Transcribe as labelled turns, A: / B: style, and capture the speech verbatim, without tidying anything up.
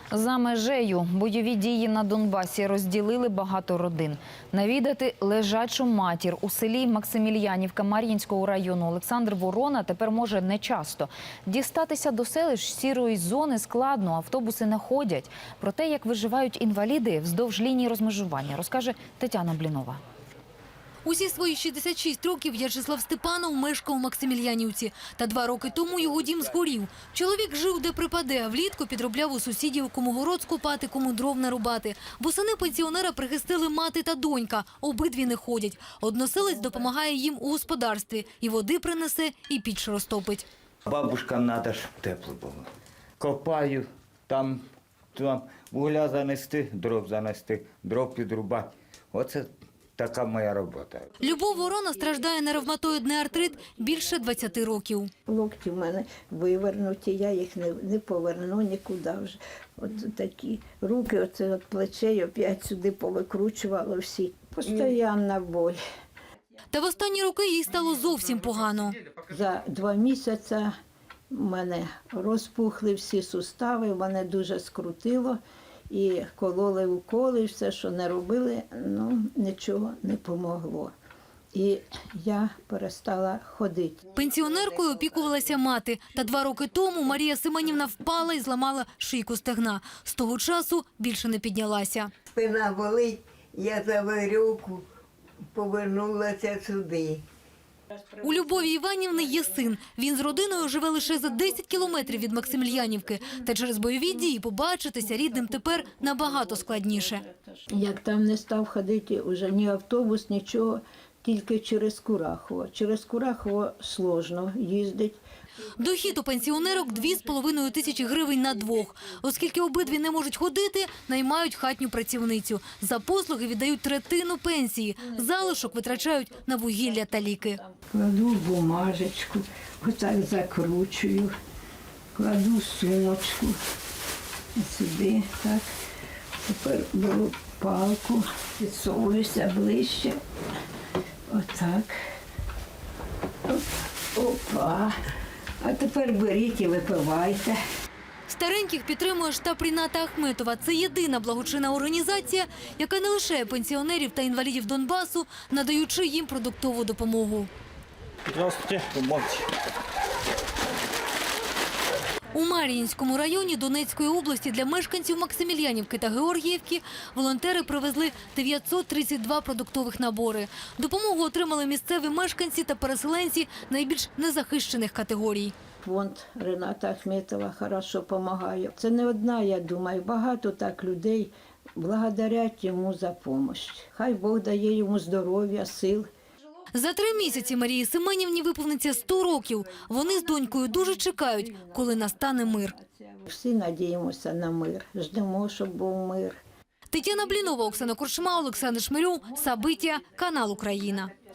A: За межею бойові дії на Донбасі розділили багато родин. Навідати лежачу матір у селі Максимільянівка Мар'їнського району Олександр Ворона тепер може нечасто. Дістатися до селищ сірої зони складно, автобуси не ходять. Про те, як виживають інваліди вздовж лінії розмежування, розкаже Тетяна Блінова.
B: Усі свої шістдесят шість років В'ячеслав Степанов мешкав у Максимільянівці. Та два роки тому його дім згорів. Чоловік жив де припаде, а влітку підробляв у сусідів, кому город скопати, кому дров нарубати. Восени пенсіонера прихистили мати та донька. Обидві не ходять. Односелець допомагає їм у господарстві. І води принесе, і піч розтопить.
C: Бабушкам треба, щоб тепло було. Копаю, там, там вугля занести, дров занести, дров підрубати. Оце така моя робота.
B: Любов Ворона страждає на ревматоїдний артрит більше двадцяти років.
D: Локті в мене вивернуті, я їх не, не поверну нікуди вже. От такі руки, оце от плечей опять сюди повикручувало всі. Постоянна боль.
B: Та в останні роки їй стало зовсім погано.
D: За два місяці в мене розпухли всі сустави, мене дуже скрутило. І кололи уколи, все, що не робили, ну, нічого не помогло. І я перестала ходити.
B: Пенсіонеркою опікувалася мати. Та два роки тому Марія Семенівна впала і зламала шийку стегна. З того часу більше не піднялася.
E: Спина болить, я за веревку повернулася сюди.
B: У Любові Іванівни є син. Він з родиною живе лише за десять кілометрів від Максимільянівки. Та через бойові дії побачитися рідним тепер набагато складніше.
D: Як там не став ходити вже ні автобус, нічого, тільки через Курахово. Через Курахово складно їздити.
B: Дохід у пенсіонерок – дві з половиною тисячі гривень на двох. Оскільки обидві не можуть ходити, наймають хатню працівницю. За послуги віддають третину пенсії. Залишок витрачають на вугілля та ліки.
D: Кладу в бумажечку, отак закручую, кладу сумочку сюди, так. Тепер беру палку, підсовуюся ближче, отак. Опа. А тепер беріть і випивайте.
B: Стареньких підтримує штаб Ріната Ахметова. Це єдина благочинна організація, яка не лишає пенсіонерів та інвалідів Донбасу, надаючи їм продуктову допомогу.
C: Здравствуйте, помогите.
B: У Мар'їнському районі Донецької області для мешканців Максимільянівки та Георгіївки волонтери привезли дев'ятсот тридцять два продуктових набори. Допомогу отримали місцеві мешканці та переселенці найбільш незахищених категорій.
D: Фонд Ріната Ахметова хорошо допомагає. Це не одна, я думаю, багато так людей благодарять йому за допомогу. Хай Бог дає йому здоров'я, сил.
B: За три місяці Марії Семенівні виповниться сто років. Вони з донькою дуже чекають, коли настане мир.
D: Всі надіємося на мир, ждемо, щоб був мир.
B: Тетяна Блінова, Оксана Коршма, Олександр Шмирьов, Сабиття, канал Україна.